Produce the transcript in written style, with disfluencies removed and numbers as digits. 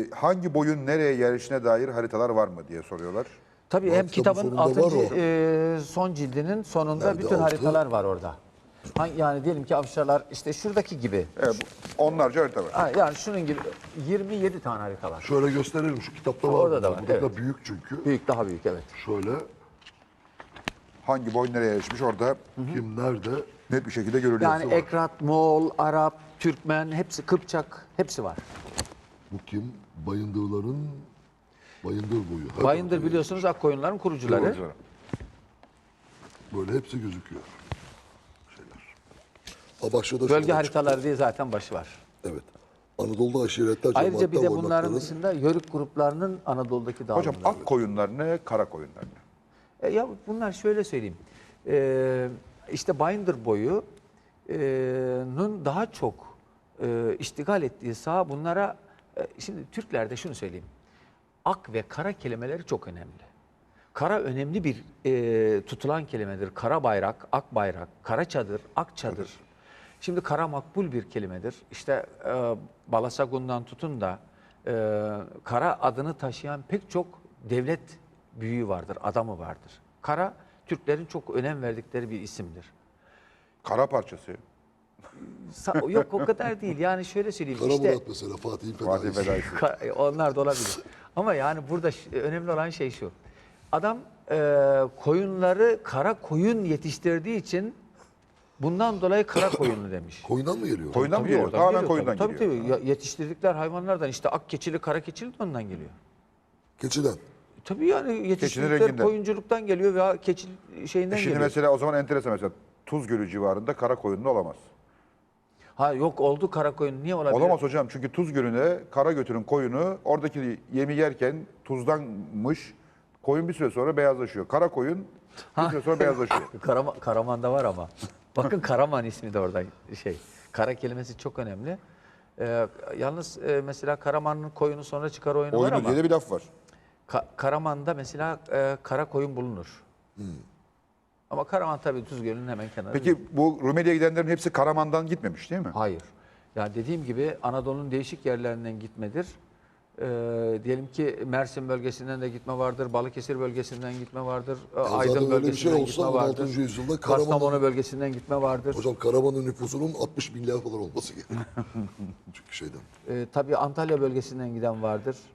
Hangi boyun nereye yerleşine dair haritalar var mı diye soruyorlar. Tabii hem kitabın sonunda var 6. Son cildinin sonunda Nerede bütün altı? haritalar var orada. Yani diyelim ki Avşarlar işte şuradaki gibi. Evet, onlarca harita var. Ha, yani şunun gibi 27 tane harita var. Şöyle gösterelim, şu kitapta var. Orada da bunlar. var, Burada evet. da büyük çünkü. Büyük, daha büyük, evet. Şöyle Hangi boyun nereye yerleşmiş orada kim nerede? net bir şekilde görülüyor. Yani Ekrat, Moğol, Arap, Türkmen, hepsi, Kıpçak, hepsi var. Bu kim? Bayındırların Bayındır boyu. Her Bayındır tarafı biliyorsunuz Akkoyunların kurucuları. Doğru. böyle hepsi gözüküyor. Şeyler. Ha bak şurada Bölge şurada haritaları diye zaten başı var. çıktı. Evet. Anadolu'da aşiretler, Ayrıca bir de cemaatler, bunların varlıkların- dışında Yörük gruplarının Anadolu'daki dağılımları. Hocam ak koyunlar ne, kara koyunlar ne? Ya bunlar şöyle söyleyeyim. İşte Bayındır boyunun daha çok iştigal ettiği saha bunlara, şimdi Türklerde şunu söyleyeyim. Ak ve kara kelimeleri çok önemli. Kara önemli bir tutulan kelimedir. Kara bayrak, ak bayrak, kara çadır, ak çadır. Şimdi kara makbul bir kelimedir. İşte Balasagun'dan tutun da kara adını taşıyan pek çok devlet büyüğü vardır, adamı vardır. Kara, Türklerin çok önem verdikleri bir isimdir. Kara parçası. Yok o kadar değil. Yani şöyle söyleyeyim. Kara işte Murat mesela Fatih'in Fatih fedaisi. Fedaisi. onlar da olabilir. Ama yani burada önemli olan şey şu. Adam koyunları kara koyun yetiştirdiği için bundan dolayı kara koyunlu demiş. Koyundan mı geliyor? Koyundan mı Tabii geliyor? oradan Tamamen geliyor koyundan tabii. geliyor. Tabii tabii. Yetiştirdikler hayvanlardan işte ak keçili, kara keçili de ondan geliyor. Keçiden. Tabii yani yetiştirdikleri renginden. koyunculuktan geliyor veya keçi şeyinden Şimdi geliyor. mesela o zaman enteresan, mesela Tuz Gölü civarında kara koyunlu olamaz. Ha yok oldu kara koyun, niye olabilir? Olamaz hocam, çünkü Tuz Gölü'ne kara götürün koyunu oradaki yemi yerken tuzdanmış, koyun bir süre sonra beyazlaşıyor. Kara koyun bir süre sonra beyazlaşıyor. Karaman'da var ama. Bakın Karaman ismi de oradan şey. Kara kelimesi çok önemli. Yalnız mesela Karaman'ın koyunu sonra çıkar oyunu var Oyunu ama diye de bir laf var. Karaman'da mesela kara koyun bulunur. Ama Karaman tabii Tuz Gölü'nün hemen kenarında. Peki bu Rumeli'ye gidenlerin hepsi Karaman'dan gitmemiş değil mi? Hayır. Ya dediğim gibi Anadolu'nun değişik yerlerinden gitmedir. Diyelim ki Mersin bölgesinden de gitme vardır, Balıkesir bölgesinden gitme vardır, zaten Aydın öyle bir şey bölgesinden olsa gitme 16. vardır, yüzyılda Kastamonu bölgesinden gitme vardır. Hocam Karaman'ın nüfusunun 60 milyar falan olması gerekiyor. Çünkü şeyden. Tabii Antalya bölgesinden giden vardır.